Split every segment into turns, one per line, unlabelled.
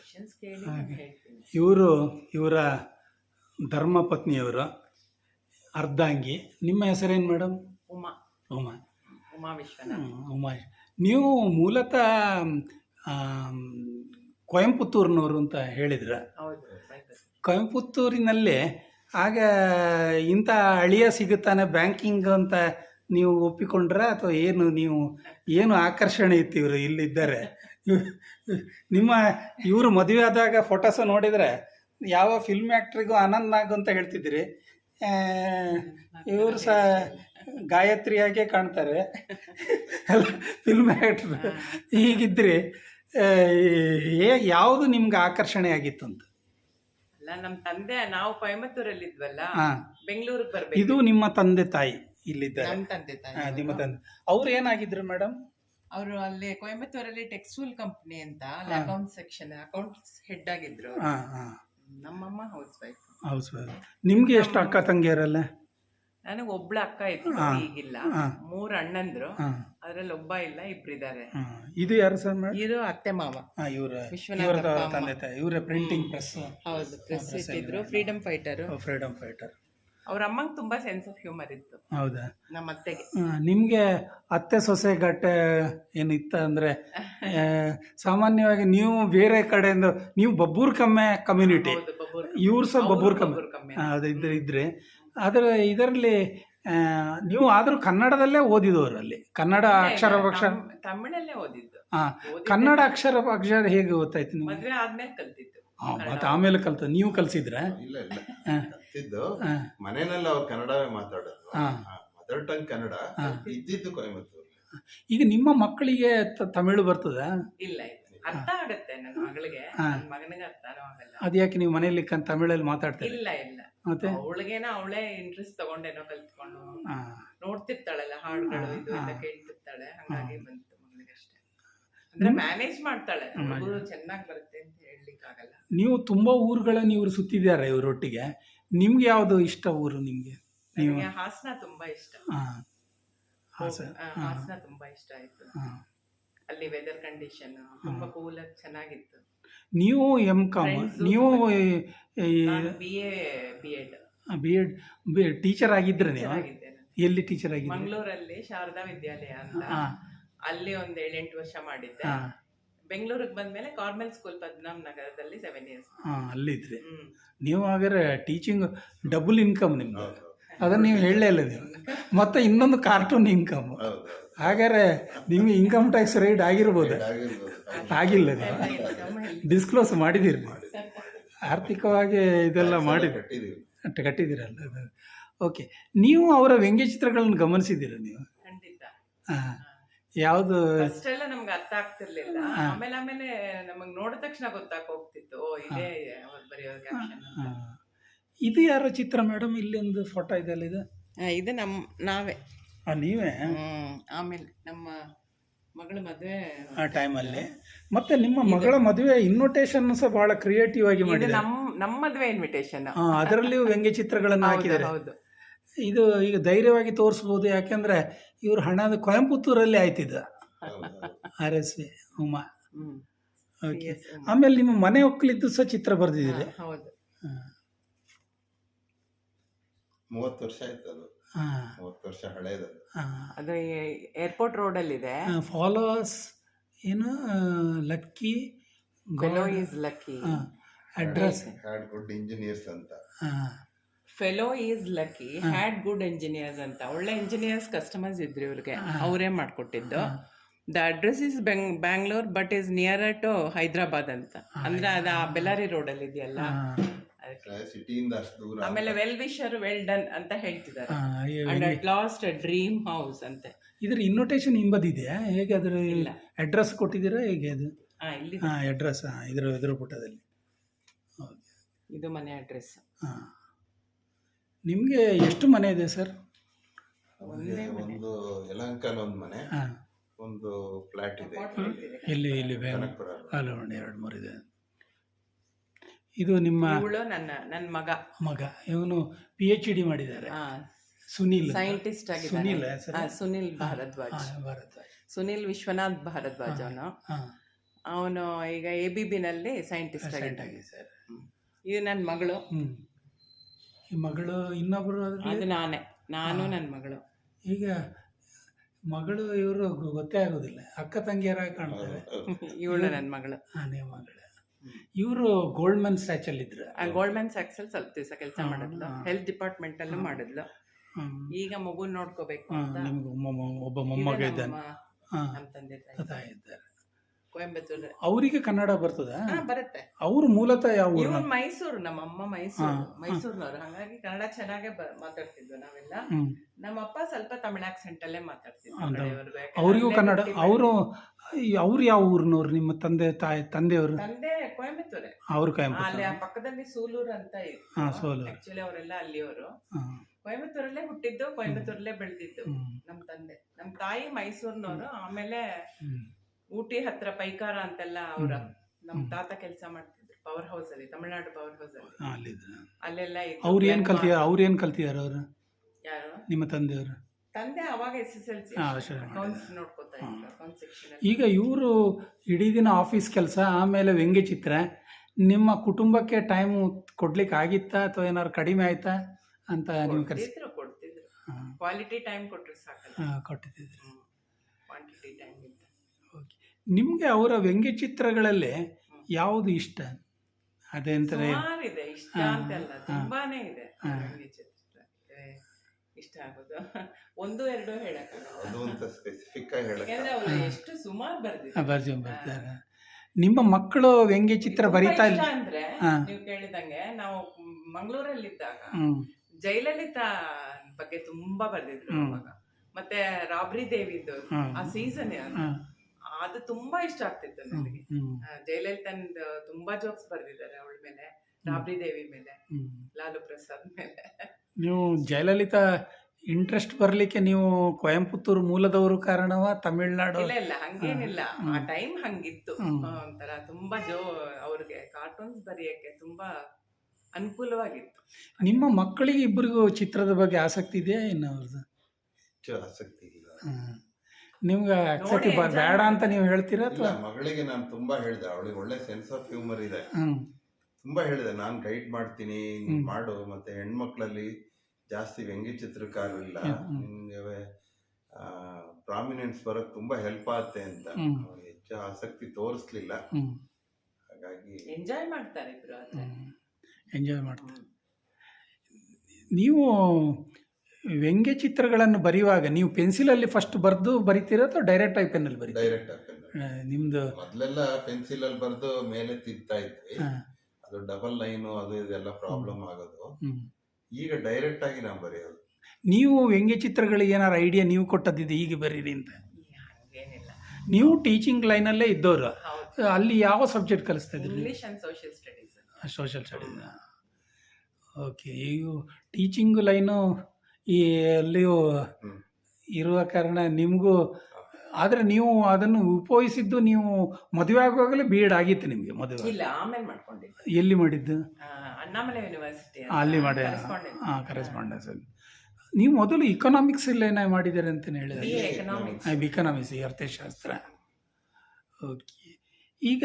Questions ಕೇಳಿ ನಾನು ಹೇಳ್ತೀನಿ.
ಇವರ ಧರ್ಮಪತ್ನಿಯವರು ಅರ್ಧಾಂಗಿ. ನಿಮ್ಮ ಹೆಸರೇನು ಮೇಡಮ್?
ಉಮಾ
ಉಮಾ.
ಉಮಾ ವಿಶ್ವನಾಥ್.
ಉಮಾ. ನೀವು ಮೂಲತಃ ಕೊಯಂಪುತ್ತೂರಿನವರು ಅಂತ ಹೇಳಿದ್ರ?
ಹೌದು.
ಕೊಯಂಪುತ್ತೂರಿನಲ್ಲಿ ಆಗ ಇಂಥ ಅಳಿಯ ಸಿಗುತ್ತಾನೆ ಬ್ಯಾಂಕಿಂಗ್ ಅಂತ ನೀವು ಒಪ್ಪಿಕೊಂಡ್ರ ಅಥವಾ ಏನು ಆಕರ್ಷಣೆ ಇತ್ತು ಇವರು ಇಲ್ಲಿದ್ದಾರೆ? ಇವರು ಮದುವೆ ಆದಾಗ ಫೋಟೋಸ್ ನೋಡಿದರೆ ಯಾವ ಫಿಲ್ಮ್ ಆ್ಯಕ್ಟ್ರಿಗೂ ಆನಂದ್ ನಾಗ್ ಅಂತ ಹೇಳ್ತಿದ್ರಿ, ಇವರು ಸಹ ಗಾಯತ್ರಿಯಾಗೆ ಕಾಣ್ತಾರೆ ಫಿಲ್ಮ್ ಆ್ಯಕ್ಟ್ರು. ಹೀಗಿದ್ರಿ ಯಾವುದು ನಿಮ್ಗೆ ಆಕರ್ಷಣೆ ಆಗಿತ್ತು ಅಂತ?
ಅಲ್ಲ, ನಮ್ಮ ತಂದೆ ನಾವು ಕೊಯಮತ್ತೂರಲ್ಲಿ ಇದ್ವಲ್ಲ, ಬೆಂಗಳೂರಿಗೆ ಬರ್ಬೇಕು.
ಇದು ನಿಮ್ಮ ತಂದೆ ತಾಯಿ ಇಲ್ಲಿದ್ದಾರೆ?
ನಮ್ಮ ತಂದೆ ತಾಯಿ.
ನಿಮ್ಮ ತಂದೆ ಅವ್ರು ಏನಾಗಿದ್ರು ಮೇಡಮ್?
ಅವರು ಅಲ್ಲಿ ಕೊಯಮತ್ತೂರಲ್ಲಿ ಟೆಕ್ಸ್ಟೈಲ್ ಕಂಪ್ನಿ ಅಂತ ಅಕೌಂಟ್ ಸೆಕ್ಷನ್ ಅಕೌಂಟ್ಸ್ ಹೆಡ್ ಆಗಿದ್ರು. ನಮ್ಮಮ್ಮ ಹೌಸ್ ವೈಫ್.
ನಿಮ್ಗೆ ಎಷ್ಟು ಅಕ್ಕ ತಂಗಿಯರಲ್ಲ?
ನನಗೆ ಒಬ್ಳ ಅಕ್ಕ ಇತ್ತು, ಈಗಿಲ್ಲ. 3 ಅಣ್ಣಂದ್ರು, ಅದ್ರಲ್ಲಿ ಒಬ್ಬ ಇಲ್ಲ, ಇಬ್ರಿದ್ದಾರೆ.
ಇದು ಯಾರು ಸರ್?
ಇವರು ಅತ್ತೆ ಮಾವ.
ವಿಶ್ವನಾಥ ತಂದೆ ತಾಯಿ. ಇವರ ಪ್ರಿಂಟಿಂಗ್ ಪ್ರೆಸ್.
ಹೌದು, ಪ್ರೆಸ್ ಇಟ್ಟಿದ್ರು. Freedom fighter. ಅವ್ರ ಅಮ್ಮಂಗೆ ತುಂಬಾ ಸೆನ್ಸ್ ಆಫ್ ಹ್ಯೂಮರ್ ಇತ್ತು.
ಹೌದಾ?
ನಮ್ಮ ಅತ್ತೆಗೆ.
ನಿಮ್ಗೆ ಅತ್ತೆ ಸೊಸೆ ಗಟ್ಟ ಏನಿತ್ತ ಅಂದ್ರೆ, ಸಾಮಾನ್ಯವಾಗಿ ನೀವು ಬೇರೆ ಕಡೆಯಿಂದ ನೀವು ಬಬ್ಬೂರ್ ಕಮ್ಯುನಿಟಿ, ಇವ್ರು ಸಹ ಬಬ್ಬೂರ್ ಕಮ್ಮಿ ಇದ್ರೆ, ಇದರಲ್ಲಿ ನೀವು ಆದ್ರೂ ಕನ್ನಡದಲ್ಲೇ ಓದಿದವರು ಅಲ್ಲಿ? ಕನ್ನಡ ಅಕ್ಷರ
ತಮಿಳಲ್ಲೇ ಓದಿದ್ದು.
ಕನ್ನಡ ಅಕ್ಷರ ಹೇಗೆ ಗೊತ್ತಾಯ್ತು ನಿಮ್ಗೆ?
ಮದುವೆ ಆದ್ಮೇಲೆ ಕಲ್ತಿದ್ದು.
ಮತ್ತೆ ಆಮೇಲೆ ನೀವು ಕಲ್ಸಿದ್ರ?
ಇಲ್ಲ ಕಲ್ತಿದ್ದು ಮನೆಯಲ್ಲಿ ಅವ್ರು ಕನ್ನಡವೇ ಮಾತಾಡೋದು, ಮದರ್ ಟಂಗ್ ಕನ್ನಡ. ಇದ್ದಿದ್ದು ಕೊಯಮತ್ತೂರು.
ಈಗ ನಿಮ್ಮ ಮಕ್ಕಳಿಗೆ ತಮಿಳು ಬರ್ತದ?
ಇಲ್ಲ, ಅರ್ಥ ಆಗುತ್ತೆ ನನ್ನ ಮಗಳಿಗೆ, ಮಗನಿಗೆ ಅರ್ಥನೂ ಆಗಲ್ಲ.
ಅದ್ಯಾಕೆ ನೀವು ಮನೆಯಲ್ಲಿ ತಮಿಳಲ್ಲಿ ಮಾತಾಡ್ತೀರಿ?
ಇಲ್ಲ, ಮತ್ತೆ ಅವಳೇ ಇಂಟ್ರೆಸ್ಟ್ ತಗೊಂಡೇನೋ ಕಲ್ತ್ಕೊಂಡು ನೋಡ್ತಿರ್ತಾಳಲ್ಲ ಹಾಡುಗಳು, ಇದು ಎಲ್ಲ ಕೇಳ್ತಿರ್ತಾಳೆ, ಹಂಗಾಗಿ ಬಂತು ಮಗಳಿಗೆ ಅಷ್ಟೇ. ಅಂದ್ರೆ ಮ್ಯಾನೇಜ್ ಮಾಡ್ತಾಳೆ, ಚೆನ್ನಾಗಿ ಬರುತ್ತೆ ಅಂತ ಹೇಳಲಿಕ್ಕಾಗಲ್ಲ.
ನೀವು ತುಂಬಾ ಊರುಗಳನ್ನು ಇವರು ಸುತ್ತಿದ್ದಾರೆ ಇವರೊಟ್ಟಿಗೆ. ನಿಮ್ಗೆ ಯಾವ್ದು ಇಷ್ಟ ಊರು ನಿಮ್ಗೆ?
ನನಗೆ ಹಾಸನ ತುಂಬಾ ಇಷ್ಟ. ಹಾಸನ ತುಂಬಾ ಇಷ್ಟ ಆಯ್ತು. ಅಲ್ಲಿ ವೆದರ್ ಕಂಡೀಷನ್ ತುಂಬಾ ಕೂಲ್ ಆಗಿ ಚೆನ್ನಾಗಿತ್ತು.
ನೀವು M.Com, ನೀವು BEd ಟೀಚರ್ ಆಗಿದ್ರೆ ನೀವು? ಎಲ್ಲಿ ಟೀಚರ್ ಆಗಿದ್ದೆ?
ಮಂಗಳೂರಲ್ಲಿ ಶಾರದಾ ವಿದ್ಯಾಲಯ ಅಂತ, ಅಲ್ಲಿ ಒಂದು 7-8 ವರ್ಷ ಮಾಡಿದ್ದೆ. ಬೆಂಗಳೂರಿಗೆ ಬಂದ್ಮೇಲೆ ಕಾರ್ಮೆಲ್ ಸ್ಕೂಲ್ ಪದ್ಮನಾಭ ನಗರದಲ್ಲಿ 7 years.
ಅಲ್ಲಿದ್ರಿ ನೀವು. ಹಾಗಾದ್ರೆ ಟೀಚಿಂಗ್ ಡಬಲ್ ಇನ್ಕಮ್ ನಿಮ್ದು, ಅದನ್ನ ನೀವು ಹೇಳಲೇ ಇಲ್ಲ ನೀವು. ಮತ್ತೆ ಇನ್ನೊಂದು ಕಾರ್ಟೂನ್ ಇನ್ಕಮ್. ಹಾಗಾದ್ರೆ ನಿಮ್ಗೆ ಇನ್ಕಮ್ ಟ್ಯಾಕ್ಸ್ ರೇಟ್ ಆಗಿರ್ಬೋದು? ಆಗಿಲ್ಲ, ಡಿಸ್ಕ್ಲೋಸ್ ಮಾಡಿದಿರಿ, ಆರ್ಥಿಕವಾಗಿ ಇದೆಲ್ಲ ಕಟ್ಟಿದ್ದೀರಲ್ಲ. ಓಕೆ. ನೀವು ಅವರ ವ್ಯಂಗ್ಯಚಿತ್ರಗಳನ್ನು ಗಮನಿಸಿದ್ದೀರ ನೀವು? ಯಾವುದು?
ಅಷ್ಟೆಲ್ಲ ನಮ್ಗೆ ಅರ್ಥ ಆಗ್ತಿರ್ಲಿಲ್ಲ. ಆಮೇಲೆ ನಮಗ್ ನೋಡಿದ ತಕ್ಷಣ ಹೋಗ್ತಿತ್ತು, ಇದೇ
ಇದು ಯಾರ ಚಿತ್ರ ಮೇಡಮ್? ಇಲ್ಲಿ ಒಂದು ಫೋಟೋ ಇದೆಲ್ಲ,
ಇದು ನಾವೇ.
ನೀವೇ?
ಆಮೇಲೆ ನಮ್ಮ ಮಗಳ ಮದುವೆ
ಆ ಟೈಮಲ್ಲಿ. ಮತ್ತೆ ನಿಮ್ಮ ಮಗಳ ಮದುವೆ ಇನ್ವಿಟೇಷನ್ ಸಹ ಬಹಳ ಕ್ರಿಯೇಟಿವ್ ಆಗಿ ಮಾಡಿದ್ದಾರೆ.
ನಮ್ಮ ಮದುವೆ ಇನ್ವಿಟೇಷನ್,
ಅದರಲ್ಲಿಯೂ ವ್ಯಂಗ್ಯ ಚಿತ್ರಗಳನ್ನು ಹಾಕಿದ್ದಾರೆ.
ಹೌದು.
ಇದು ಈಗ ಧೈರ್ಯವಾಗಿ ತೋರಿಸ್ಬೋದು, ಯಾಕೆಂದ್ರೆ ಇವ್ರ ಹಣದ ಕೊಯಂಪುತ್ತೂರಲ್ಲಿ ಆಯ್ತಿದ್ದ. RSV ಉಮಾ. ಓಕೆ. ಆಮೇಲೆ ನಿಮ್ಮ ಮನೆ ಒಕ್ಕಲಿದ್ದು ಸಹ ಚಿತ್ರ ಬರೆದಿದ್ದೀರಿ?
ಹೌದು.
30 ವರ್ಷ ಆಯ್ತು ಅದು. 30 ವರ್ಷ ಹಳೇದು
ಅದು. ಏರ್ಪೋರ್ಟ್ ರೋಡಲ್ಲಿ ಇದೆ.
ಫಾಲೋವರ್ಸ್ ಏನು? Lucky
fellow is lucky.
Address
had good engineers ಅಂತ.
Fellow is lucky, had good engineers ಅಂತ. ಒಳ್ಳೆ ಇಂಜಿನಿಯರ್ಸ್ ಕಸ್ಟಮರ್ಸ್ ಇದ್ರು ಇವ್ರಿಗೆ, ಅವರೇ ಮಾಡ್ಕೊಟ್ಟಿದ್ದು. The address is Bangalore but is near to Hyderabad ಅಂತ. ಅಂದ್ರೆ ಅದು ಬೆಲಾರಿ ರೋಡಲ್ಲಿ ಇದೆಯಲ್ಲ,
ಸಿಟಿಯಿಂದ ಅಷ್ಟು ದೂರ.
ಆಮೇಲೆ ವೆಲ್ ವಿಶರ್ ವೆಲ್ ಡನ್ ಅಂತ ಹೇಳ್ತಿದ್ದಾರೆ. And at last dream house ಅಂತ.
ಇದ್ರ ಇನ್ವಿಟೇಷನ್ ಹಿಂಬದಿದೆಯಾ ಹೇಗೆ? ಅದ್ರ ಅಡ್ರೆಸ್ ಕೊಟ್ಟಿದ್ದೀರಾ ಹೇಗೆ ಅದು? ಅಡ್ರೆಸ್ ಇದ್ರ ಪುಟದಲ್ಲಿ
ಇದು ಮನೆ ಅಡ್ರೆಸ್.
ನಿಮಗೆ ಎಷ್ಟು ಮನೆ ಇದೆ ಸರ್?
ಒಂದು ಯಲಹಂಕಲ್ ಒಂದು ಮನೆ, ಒಂದು ಫ್ಲಾಟ್ ಇದೆ.
ಇಲ್ಲಿ 2-3 ಇದೆ. ಇದು ನಿಮ್ಮ
ನನ್ನ
ಮಗ. ಇವನು PhD ಮಾಡಿದ್ದಾರೆ. ಸುನಿಲ್
ಸೈಂಟಿಸ್ಟ್ ಆಗಿದ್ದಾರೆ. ಸುನಿಲ್ ಭಾರದ್ವಾಜ್. ಸುನಿಲ್ ವಿಶ್ವನಾಥ್ ಭಾರದ್ವಾಜ್ ಅವನು. ಅವನು ಈಗ ABBನಲ್ಲಿ ಸೈಂಟಿಸ್ಟ್ ಆಗಿದ್ದಾನೆ.
ಸರ್.
ಇದು ನನ್ನ ಮಗಳು,
ಈ ಮಗಳು ಇನ್ನೊಬ್ಬರು
ಅದು ನಾನು ನನ್ನ ಮಗಳು.
ಈಗ ಮಗಳು ಇವರು ಗೊತ್ತೇ ಆಗೋದಿಲ್ಲ, ಅಕ್ಕ ತಂಗಿಯರಾಗಿ ಕಾಣ್ತಾರೆ.
ಇವಳು ನನ್ನ ಮಗಳು.
ನೀವು ಮಗಳು. ಇವರು ಗೋಲ್ಡ್ಮನ್ ಸ್ಯಾಚಲ್ಲಿ ಇದ್ರು.
ಗೋಲ್ಡ್ಮನ್ ಸ್ಯಾಕ್ಸಲ್ಲಿ ಸ್ವಲ್ಪ ದಿವಸ ಕೆಲಸ ಮಾಡಿದ್ಲು, ಹೆಲ್ತ್ ಡಿಪಾರ್ಟ್ಮೆಂಟಲ್ಲೂ ಮಾಡಿದ್ಲು. ಈಗ ಮಗುನ ನೋಡ್ಕೋಬೇಕು ಅಂತ
ನಿಮ್ಗೆ ಒಬ್ಬ ಮೊಮ್ಮಗ ಇದ್ದಾನೆ.
ನಮ್ಮ ತಂದೆ
ತಾಯಿ ಇದ್ದಾರೆ
ಕೊಯಂಬತ್ತೂರು.
ಅವರಿಗೆ ಕನ್ನಡ ಬರ್ತದ?
ಬರುತ್ತೆ.
ಅವರು ಮೂಲತಃ ಯಾವ ಊರು?
ಇವ್ರು ಮೈಸೂರು, ನಮ್ಮಮ್ಮ ಮೈಸೂರಿನವರು. ಹಾಗಾಗಿ ಕನ್ನಡ ಚೆನ್ನಾಗೇ ಮಾತಾಡ್ತಿದ್ವು ನಾವೆಲ್ಲ. ನಮ್ಮಪ್ಪ ಸ್ವಲ್ಪ ತಮಿಳ್ ಆಕ್ಸೆಂಟ್ ಅಲ್ಲೇ ಮಾತಾಡ್ತಿದ್ರು.
ಅವರಿಗೂ ಕನ್ನಡ. ಅವ್ರು ಯಾವ ಊರಿನವ್ರು? ನಿಮ್ಮ ತಂದೆಯವರು?
ತಂದೆ ಕೊಯಂಬತ್ತೂರೇ.
ಅವ್ರು ಕೊಯಂಬತ್ತೂರು.
ಅಲ್ಲಿ ಆ ಪಕ್ಕದಲ್ಲಿ ಸೂಲೂರು ಅಂತ ಇದೆ. ಆಕ್ಚುಲಿ ಅವರೆಲ್ಲ ಅಲ್ಲಿಯವರು. ಕೊಯಂಬತ್ತೂರಲ್ಲೇ ಹುಟ್ಟಿದ್ದು, ಕೊಯಂಬತ್ತೂರಲ್ಲೇ ಬೆಳೆದಿದ್ದು ನಮ್ಮ ತಂದೆ. ನಮ್ಮ ತಾಯಿ ಮೈಸೂರಿನವರು. ಆಮೇಲೆ ಊಟಿ ಹತ್ರ ಪೈಕಾರ ಅಂತೆಲ್ಲ ಅವ್ರ ನಮ್ಮ ತಾತ ಕೆಲಸ ಮಾಡ್ತಿದ್ರು ಪವರ್ ಹೌಸ್ ಅಲ್ಲಿ, ತಮಿಳ್ನಾಡು ಪವರ್ ಹೌಸ್ ಅಲ್ಲಿ. ಅಲ್ಲೆಲ್ಲ
ಅವ್ರು ಏನ್ ಕಲ್ತಿದಾರ? ಅವರು
ಯಾರು?
ನಿಮ್ಮ ತಂದೆಯವರು?
ತಂದೆ ಅವಾಗ SSLC ಅಕೌಂಟ್ಸ್ ನೋಡ್ಕೋತಾ ಇದ್ರು, ಅಕೌಂಟ್ ಸೆಕ್ಷನ್.
ಈಗ ಇವರು ಇಡೀ ದಿನ ಆಫೀಸ್ ಕೆಲಸ, ಆಮೇಲೆ ವ್ಯಂಗ್ಯಚಿತ್ರ. ನಿಮ್ಮ ಕುಟುಂಬಕ್ಕೆ ಟೈಮ್ ಕೊಡ್ಲಿಕ್ಕೆ ಆಗಿತ್ತಾ ಅಥವಾ ಏನಾದ್ರು ಕಡಿಮೆ ಆಯ್ತಾ ಅಂತ ನೀವು
ಕೊಡ್ತಿದ್ರು. ಕ್ವಾಲಿಟಿ ಟೈಮ್ ಕೊಟ್ಟರೆ ಸಾಕಲ್ಲ.
ಕೊಟ್ಟಿದ್ರು.
ಕ್ವಾಂಟಿಟಿ ಟೈಮ್ ಇತ್ತು.
ನಿಮಗೆ ಅವರ ವ್ಯಂಗ್ಯಚಿತ್ರಗಳಲ್ಲಿ ಯಾವುದು ಇಷ್ಟ? ಅದೇಂತಾರೆ
ಇದೆ ಇಷ್ಟ ಅಂತೆಲ್ಲ ತುಂಬಾನೇ ಇದೆ. ವ್ಯಂಗ್ಯಚಿತ್ರ ಇಷ್ಟ ಆಗೋದು ಒಂದು ಎರಡು ಹೇಳಕ್ಕಾಗಲ್ಲ, ಯಾಕಂದ್ರೆ ಅವರು ಎಷ್ಟು ಸುಮಾರು
ಬರ್ದಿದ್ದಾರೆ. ನಿಮ್ಮ ಮಕ್ಕಳು ವ್ಯಂಗ್ಯಚಿತ್ರ ಬರೀತಾ ಇಲ್ಲ
ಅಂದ್ರೆ ನೀವು ಕೇಳಿದಂಗೆ, ನಾವು ಮಂಗಳೂರಲ್ಲಿದ್ದಾಗ ಜಯಲಲಿತಾ ಬಗ್ಗೆ ತುಂಬಾ ಬರ್ದಿದ್ರು ಅವಾಗ. ಮತ್ತೆ ರಾಬ್ರಿ ದೇವಿದು ಆ ಸೀಸನ್ ಅದು ತುಂಬಾ ಇಷ್ಟ ಆಗ್ತಿತ್ತು ನನಗೆ. ಜಯಲಲಿತಂದು ತುಂಬಾ ಜೋಕ್ಸ್ ಬರ್ದಿದ್ದಾರೆ ಅವಳ ಮೇಲೆ, ರಾಬ್ರಿ ದೇವಿ ಮೇಲೆ, ಲಾಲು ಪ್ರಸಾದ್ ಮೇಲೆ.
ನೀವು ಜಯಲಲಿತಾ ಇಂಟ್ರೆಸ್ಟ್ ಬರ್ಲಿಕ್ಕೆ ನೀವು ಕೊಯಂಪುತ್ತೂರು ಮೂಲದವರು ಕಾರಣವಾ ತಮಿಳ್ನಾಡು?
ಇಲ್ಲ ಹಂಗೇನಿಲ್ಲ, ಆ ಟೈಮ್ ಹಂಗಿತ್ತು. ಒಂಥರ ತುಂಬಾ ಅವ್ರಿಗೆ ಕಾರ್ಟೂನ್ಸ್ ಬರೆಯಕ್ಕೆ ತುಂಬಾ ಅನುಕೂಲವಾಗಿತ್ತು.
ನಿಮ್ಮ ಮಕ್ಕಳಿಗೆ ಇಬ್ಬರಿಗೂ ಚಿತ್ರದ ಬಗ್ಗೆ ಆಸಕ್ತಿ ಇದೆಯಾ? ಇನ್ನು ಅವ್ರದ್ದು
ಆಸಕ್ತಿ ಇಲ್ಲ.
ನಿಮ್ಗೆ ಆಸಕ್ತಿ ಬೇಡ ಅಂತ ನೀವು ಹೇಳ್ತೀರಾ? ಅಥವಾ
ಮಗಳಿಗೆ ನಾನು ತುಂಬಾ ಹೇಳಿದೆ, ಅವಳಿಗೆ ಒಳ್ಳೆ ಸೆನ್ಸ್ ಆಫ್ ಹ್ಯೂಮರ್ ಇದೆ. ತುಂಬಾ ಹೇಳಿದೆ, ನಾನು ಗೈಡ್ ಮಾಡ್ತೀನಿ ಮಾಡು. ಮತ್ತೆ ಹೆಣ್ಮಕ್ಳಲ್ಲಿ ಜಾಸ್ತಿ ವ್ಯಂಗ್ಯ ಚಿತ್ರಕಾರರು ಇಲ್ಲ, ನಿಮ್ಗೆ ಪ್ರಾಮಿನೆನ್ಸ್ ಬರೋಕ್ ತುಂಬಾ ಹೆಲ್ಪ್ ಆಗುತ್ತೆ ಅಂತ. ಹೆಚ್ಚು ಆಸಕ್ತಿ ತೋರಿಸ್ಲಿಲ್ಲ, ಹಾಗಾಗಿ
ಎಂಜಾಯ್ ಮಾಡ್ತಾರೆ ಇಬ್ರು.
ಎಂಜಾಯ್ ಮಾಡ್ತಾರೆ. ನೀವು ವ್ಯಂಗ್ಯ ಚಿತ್ರಗಳನ್ನು ಬರೆಯುವಾಗ ನೀವು ಪೆನ್ಸಿಲಲ್ಲಿ ಫಸ್ಟ್ ಬರೆದು ಬರಿತೀರಾ ಅಥವಾ ಡೈರೆಕ್ಟ್ ಆಗಿ ಪೆನ್ನಲ್ಲಿ ಬರೀತೀರಾ?
ಡೈರೆಕ್ಟ್ ಆಗಿ
ನಿಮ್ದು
ಮೊದಲೆಲ್ಲ ಪೆನ್ಸಿಲ್ ಅಲ್ಲಿ ಬರೆದು ಮೇಲೆ ತಿಂತಾ ಇದ್ವಿ, ಅದು ಡಬಲ್ ಲೈನು ಅದು ಇದೆಲ್ಲ ಪ್ರಾಬ್ಲಮ್ ಆಗೋದು. ಈಗ ಡೈರೆಕ್ಟ್ ಆಗಿ ನಾವು ಬರೆಯೋದು.
ನೀವು ವ್ಯಂಗ್ಯ ಚಿತ್ರಗಳಿಗೆ ಏನಾರು ಐಡಿಯಾ ನೀವು ಕೊಟ್ಟದ್ದಿದೆ ಹೀಗೆ ಬರೀರಿ ಅಂತ? ನೀವು ಟೀಚಿಂಗ್ ಲೈನಲ್ಲೇ ಇದ್ದವರು, ಅಲ್ಲಿ ಯಾವ ಸಬ್ಜೆಕ್ಟ್ ಕಲಿಸ್ತಾ ಇದ್ರಿ?
English and social studies.
Social studies. Okay. ಈಗ ಟೀಚಿಂಗ್ ಲೈನು ಈ ಅಲ್ಲಿಯೂ ಇರುವ ಕಾರಣ ನಿಮಗೂ, ಆದರೆ ನೀವು ಅದನ್ನು ಉಪಯೋಗಿಸಿದ್ದು ನೀವು ಮದುವೆ ಆಗುವಾಗಲೇ B.Ed ಆಗಿತ್ತು ನಿಮಗೆ? ಮದುವೆ
ಇಲ್ಲ, ಆಮೇಲೆ ಮಾಡ್ಕೊಂಡಿದ್ದು.
ಎಲ್ಲಿ ಮಾಡಿದ್ದು?
ಅಣ್ಣಾಮಲೈ ಯೂನಿವರ್ಸಿಟಿ
ಅಲ್ಲಿ ಮಾಡಿ. ಕರೆಸ್ಪಾಂಡೆನ್ಸ್ ಅಲ್ಲಿ. ನೀವು ಮೊದಲು ಇಕನಾಮಿಕ್ಸ್ ಎಲ್ಲ ಏನ ಮಾಡಿದ್ದೀರಿ ಅಂತ ಹೇಳಿದ್ರೆ? ಎಕನಾಮಿಕ್ಸ್, ಅರ್ಥಶಾಸ್ತ್ರ. ಓಕೆ. ಈಗ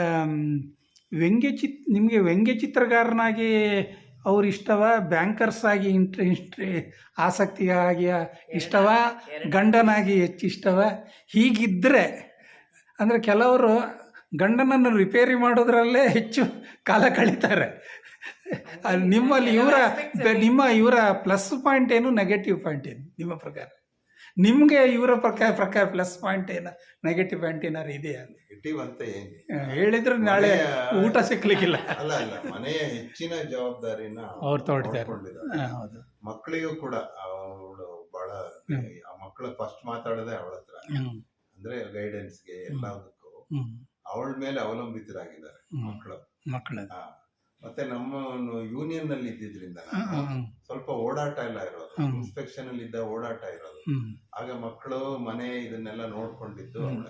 ನಿಮಗೆ ವ್ಯಂಗ್ಯ ಚಿತ್ರಗಾರನಾಗಿ ಅವ್ರು ಇಷ್ಟವ, ಬ್ಯಾಂಕರ್ಸ್ ಆಗಿ ಆಸಕ್ತಿಯಾಗಿ ಇಷ್ಟವ, ಗಂಡನಾಗಿ ಹೆಚ್ಚು ಇಷ್ಟವ? ಹೀಗಿದ್ದರೆ ಅಂದರೆ ಕೆಲವರು ಗಂಡನನ್ನು ರಿಪೇರಿ ಮಾಡೋದ್ರಲ್ಲೇ ಹೆಚ್ಚು ಕಾಲ ಕಳೀತಾರೆ. ನಿಮ್ಮಲ್ಲಿ ಇವರ ಪ್ಲಸ್ ಪಾಯಿಂಟ್ ಏನು, ನೆಗೆಟಿವ್ ಪಾಯಿಂಟ್ ಏನು ನಿಮ್ಮ ಪ್ರಕಾರ? ನಿಮಗೆ ಇವರ ಪ್ರಕಾರ ಪ್ಲಸ್ ಪಾಯಿಂಟ್ ಏನು, ನೆಗೆಟಿವ್ ಪಾಯಿಂಟ್ ಏನಾರು ಇದೆಯಾ?
ನೆಗೆಟಿವ್ ಅಂತ
ಹೇಳಿದ್ರೆ ನಾಳೆ ಊಟ ಸಿಕ್ಲಿಕ್ಕಿಲ್ಲ.
ಅಲ್ಲ, ಮನೆಯ ಹೆಚ್ಚಿನ ಜವಾಬ್ದಾರಿನ
ಅವ್ರು ತಗೊಳ್ತಾರೆ.
ಹೌದು. ಮಕ್ಕಳಿಗೂ ಕೂಡ ಅವಳು ಬಹಳ, ಆ ಮಕ್ಕಳು ಫಸ್ಟ್ ಮಾತಾಡೋದೇ ಅವಳ ಹತ್ರ. ಅಂದ್ರೆ ಗೈಡೆನ್ಸ್ಗೆ ಎಲ್ಲದಕ್ಕೂ ಅವಳ ಮೇಲೆ ಅವಲಂಬಿತರಾಗಿದ್ದಾರೆ ಮಕ್ಕಳು. ಮತ್ತೆ ನಮ್ಮ ಯೂನಿಯನ್ ನಲ್ಲಿ ಇದ್ದಿದ್ರಿಂದ ಸ್ವಲ್ಪ ಓಡಾಟ ಎಲ್ಲ ಇರೋದು, ಇನ್ಸ್ಪೆಕ್ಷನ್ ಅಲ್ಲಿ ಇದ್ದ ಓಡಾಟ ಇರೋದು. ಆಗ ಮಕ್ಕಳು ಮನೆ ಇದನ್ನೆಲ್ಲ ನೋಡ್ಕೊಂಡಿದ್ದು ಅವಳೆ.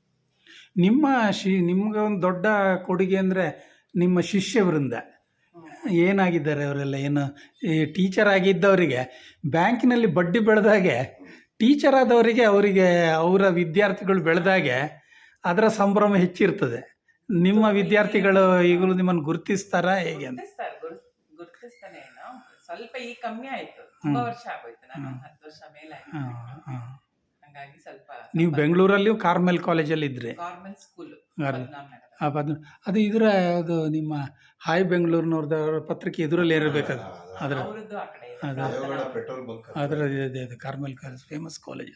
ನಿಮ್ಗೆ ಒಂದು ದೊಡ್ಡ ಕೊಡುಗೆ ಅಂದರೆ ನಿಮ್ಮ ಶಿಷ್ಯ ವೃಂದ ಏನಾಗಿದ್ದಾರೆ ಅವರೆಲ್ಲ? ಏನು ಟೀಚರ್ ಆಗಿದ್ದವರಿಗೆ ಬ್ಯಾಂಕಿನಲ್ಲಿ ಬಡ್ಡಿ ಬೆಳೆದಾಗೆ, ಟೀಚರ್ ಆದವರಿಗೆ ಅವರ ವಿದ್ಯಾರ್ಥಿಗಳು ಬೆಳೆದಾಗೆ ಅದರ ಸಂಭ್ರಮ ಹೆಚ್ಚಿರ್ತದೆ. ನಿಮ್ಮ ವಿದ್ಯಾರ್ಥಿಗಳು ಈಗಲೂ ನಿಮ್ಮನ್ನು ಗುರುತಿಸ್ತಾರಾ ಹೇಗೆ ಅಂತ?
ಗುರುತಿಸ್ತಾನೆ ಏನೋ ಸ್ವಲ್ಪ ಈಗ ಕಮ್ಮಿ ಆಯ್ತು, ತುಂಬಾ ವರ್ಷ ಆಗೋಯ್ತು, ನಾನು 10 ವರ್ಷ ಮೇಲೆ ಆಯ್ತು. ಹಂಗಾಗಿ ಸ್ವಲ್ಪ
ನೀವು ಬೆಂಗಳೂರಲ್ಲಿಯೂ ಕಾರ್ಮೆಲ್ ಕಾಲೇಜಲ್ಲಿ ಇದ್ರಿ?
ಗೌರ್ಮೆಂಟ್ ಸ್ಕೂಲ್
ಅದು ಇದರ ಅದು ನಿಮ್ಮ ಹಾಯ್ ಬೆಂಗಳೂರಿನವ್ರದ ಪತ್ರಿಕೆ ಎದುರಲ್ಲಿ ಇರಬೇಕದು. ಅದರ
ಅವ್ರದ್ದು ಆ ಕಡೆ ಇದೆ.
ದೇವಗಡ ಪೆಟ್ರೋಲ್ ಬಂಕ್
ಅದರ ಇದೆ ಕಾರ್ಮೆಲ್ ಕಾಲೇಜ್, ಫೇಮಸ್ ಕಾಲೇಜ್.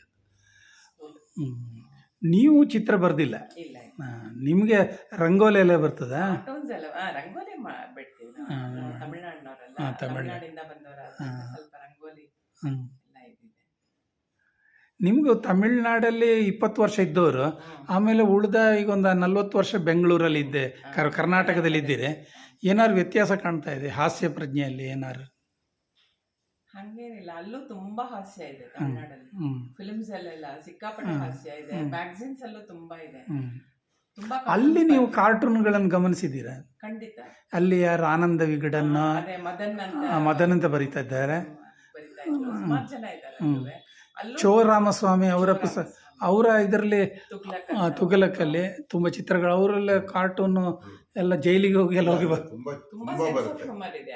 ನೀವು ಚಿತ್ರ ಬರ್ದಿಲ್ಲ?
ಇಲ್ಲ
ನಿಮಗೆ ರಂಗೋಲಿ ಎಲ್ಲ ಬರ್ತದಾ?
ಕಾರ್ಟೂನ್ಸ್ ಎಲ್ಲ ರಂಗೋಲಿ ಬಿಡ್ತೀವಿ ನಾವು, ತಮಿಳ್ನಾಡಿನವರಲ್ಲ, ತಮಿಳ್ನಾಡಿಂದ ಬಂದವರ ಸ್ವಲ್ಪ ರಂಗೋಲಿ ಎಲ್ಲ ಇದಿದೆ.
ನಿಮಗೂ ತಮಿಳ್ನಾಡಲ್ಲಿ 20 ವರ್ಷ ಇದ್ದವರು, ಆಮೇಲೆ ಉಳಿದ ಈಗ ಒಂದು 40 ವರ್ಷ ಬೆಂಗಳೂರಲ್ಲಿ ಇದ್ದೆ, ಕರ್ನಾಟಕದಲ್ಲಿ ಇದ್ದೀರಿ. ಏನಾದ್ರು ವ್ಯತ್ಯಾಸ ಕಾಣ್ತಾ ಇದೆ ಹಾಸ್ಯ ಪ್ರಜ್ಞೆಯಲ್ಲಿ ಏನಾದ್ರು?
ಹಂಗೇನಿಲ್ಲ, ಅಲ್ಲೂ ತುಂಬಾ ಹಾಸ್ಯ ಇದೆ ತಮಿಳ್ನಾಡಲ್ಲಿ. ಫಿಲ್ಮ್ಸ್ ಅಲ್ಲೆಲ್ಲ ಸಿಕ್ಕಾಪಟ್ಟೆ ಹಾಸ್ಯ ಇದೆ, ಮ್ಯಾಗಝಿನ್ಸ್ ಅಲ್ಲೂ ತುಂಬಾ ಇದೆ. ತುಂಬಾ
ಅಲ್ಲಿ ನೀವು ಕಾರ್ಟೂನ್ಗಳನ್ನು ಗಮನಿಸಿದ್ದೀರಾ?
ಖಂಡಿತ.
ಅಲ್ಲಿ ಯಾರು ಆನಂದ ವಿಗಡನ್ನ
ಅದೇ
ಮದನ್ ಅಂತ ಬರೀತಾ ಇದ್ದಾರೆ,
ಬರಿತಾ ಇದ್ರು, ಸುಮಾರು ಜನ ಇದ್ದಾರೆ.
ಚೋ ರಾಮಸ್ವಾಮಿ ಅವರ ಪುಸ್ತಕ, ಅವರ ಇದರಲ್ಲಿ ತುಗಲಕಲ್ಲಿ ತುಂಬ ಚಿತ್ರಗಳು, ಅವರೆಲ್ಲ ಕಾರ್ಟೂನು ಎಲ್ಲ ಜೈಲಿಗೆ ಹೋಗಿ ಎಲ್ಲ ಹೋಗಿ
ತುಂಬಾ ಹ್ಯೂಮರ್ ಇದೆ.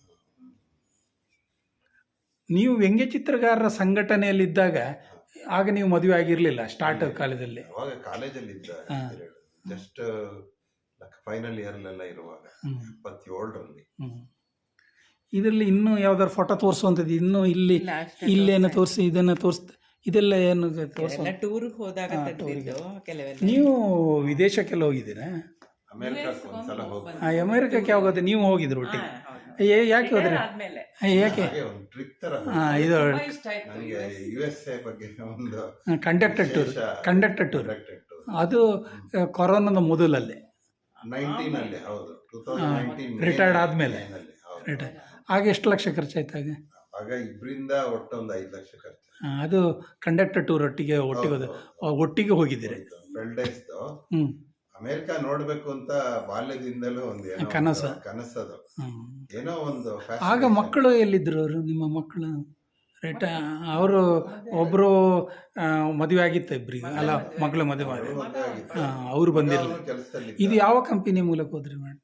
ನೀವು ವ್ಯಂಗ್ಯ ಚಿತ್ರಗಾರರ ಸಂಘಟನೆಯಲ್ಲಿದ್ದಾಗ ಆಗ ನೀವು ಮದುವೆ ಆಗಿರಲಿಲ್ಲ ಸ್ಟಾರ್ಟ್ ಕಾಲದಲ್ಲಿ?
ಅವಾಗ ಕಾಲೇಜಲ್ಲಿ ಇದ್ದ, ಜಸ್ಟ್ ಫೈನಲ್ ಇಯರ್ಲೆಲ್ಲ ಇರುವಾಗ 27ರಲ್ಲಿ.
ಇದರಲ್ಲಿ ಇನ್ನೂ ಯಾವ್ದಾದ್ರು ಫೋಟೋ ತೋರಿಸುವಂಥದ್ದು, ಇನ್ನೂ ಇಲ್ಲೇನು ತೋರಿಸಿ ಇದನ್ನು ತೋರಿಸ್ತಾ, ಇದೆಲ್ಲ ಏನು ತೋರಿಸ?
ಟೂರ್ಗೆ ಹೋದಾಗ
ನೀವು ವಿದೇಶಕ್ಕೆಲ್ಲ ಹೋಗಿದ್ದೀರಾ?
ಅಮೆರಿಕಕ್ಕೆ ಒಂದ್ಸಲ ಹೋಗಿ,
ಅಮೆರಿಕಕ್ಕೆ ಯಾವಾಗ ನೀವು ಹೋಗಿದ್ರು ಒಟ್ಟಿಗೆ? ಯಾಕೆ ಹೋದ್ರಿ? ಯಾಕೆ?
ಒಂದು ಟ್ರಿಪ್ ತರ
ಇದು
ನನಗೆ USA ಬಗ್ಗೆ ಒಂದು
ಕಂಡಕ್ಟರ್ ಟೂರ್ ಅದು ಕೊರೋನಾದ ಮೊದಲಲ್ಲಿ
19 ಹೌದು, 2019
ರಿಟೈರ್ಡ್ ಆದ್ಮೇಲೆ. ಆಗ ಎಷ್ಟು ಲಕ್ಷ ಖರ್ಚಾಯ್ತಾಗ?
ಆಗ ಇಬ್ಬರಿಂದ ಒಟ್ಟು ಒಂದು 5 ಲಕ್ಷ ಖರ್ಚು.
ಅದು ಕಂಡಕ್ಟರ್ ಟೂರ್ ಒಟ್ಟಿಗೆ ಹೋಗಿದ್ದೀರಿ?
12 days. ಅಮೆರಿಕ ನೋಡ್ಬೇಕು ಅಂತ ಬಾಲ್ಯದಿಂದಲೂ ಒಂದು ಕನಸದು, ಏನೋ ಒಂದು.
ಆಗ ಮಕ್ಕಳು ಎಲ್ಲಿದ್ರು ಅವರು, ನಿಮ್ಮ ಮಕ್ಕಳು? ಅವರು ಒಬ್ರು ಮದುವೆ ಆಗಿತ್ತ, ಇಬ್ಬರಿಗೆ ಅಲ್ಲ ಮಕ್ಕಳು ಮದುವೆ ಮಾಡಿ ಅವ್ರು ಬಂದಿರಲಿಲ್ಲ.
ಕೆಲಸದಲ್ಲಿ.
ಇದು ಯಾವ ಕಂಪನಿ ಮೂಲಕ ಹೋದ್ರಿ ಮೇಡಮ್?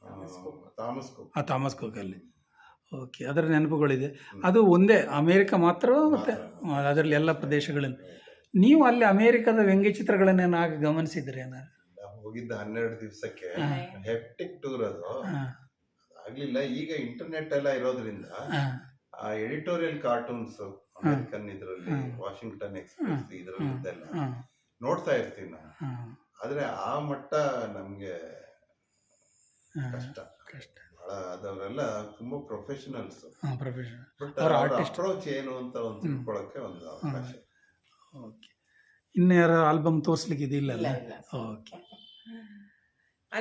ಥಾಮಸ್
ಕುಕ್ಕಲ್ಲಿ. ಓಕೆ, ಅದರ ನೆನಪುಗಳಿದೆ. ಅದು ಒಂದೇ ಅಮೇರಿಕ ಮಾತ್ರ, ಮತ್ತು ಅದರಲ್ಲಿ ಎಲ್ಲ ಪ್ರದೇಶಗಳಲ್ಲಿ. ನೀವು ಅಲ್ಲಿ ಅಮೇರಿಕದ ವ್ಯಂಗ್ಯ ಚಿತ್ರಗಳನ್ನೇನು ಆಗ ಗಮನಿಸಿದ್ರಿ ಏನಾದ್ರು?
ಹೋಗಿದ್ದ 12 ದಿವಸಕ್ಕೆ ಹೆಪ್ಟಿಕ್ ಟೂರ್, ಅದು ಆಗ್ಲಿಲ್ಲ. ಈಗ ಇಂಟರ್ನೆಟ್ ಎಲ್ಲ ಇರೋದ್ರಿಂದ ಆ ಎಡಿಟೋರಿಯಲ್ ಕಾರ್ಟೂನ್ಸ್ ಅಮೆರಿಕನ್ ಇದರಲ್ಲಿ, ವಾಷಿಂಗ್ಟನ್ ಎಕ್ಸ್ಪ್ರೆಸ್ ಇದರಲ್ಲಿದ್ದೆಲ್ಲ ನೋಡ್ತಾ ಇರ್ತೀವಿ ನಾವು. ಆದ್ರೆ ಆ ಮಟ್ಟ ನಮ್ಗೆ ಕಷ್ಟ ಬಹಳ. ಅದವರೆಲ್ಲ ತುಂಬಾ ಪ್ರೊಫೆಷನಲ್ಸ್, ಬಟ್ ಅವ್ರ ಅಪ್ರೋಚ್ ಏನು ಅಂತ ಒಂದು ತಿಳ್ಕೊಳಕ್ಕೆ ಒಂದು ಅವಕಾಶ.
ಓಕೆ, ಇನ್ಯಾರ ಆಲ್ಬಮ್ ತೋರಿಸ್ಲಿಕ್ಕೆ ಇದಿಲ್ಲ? ಓಕೆ.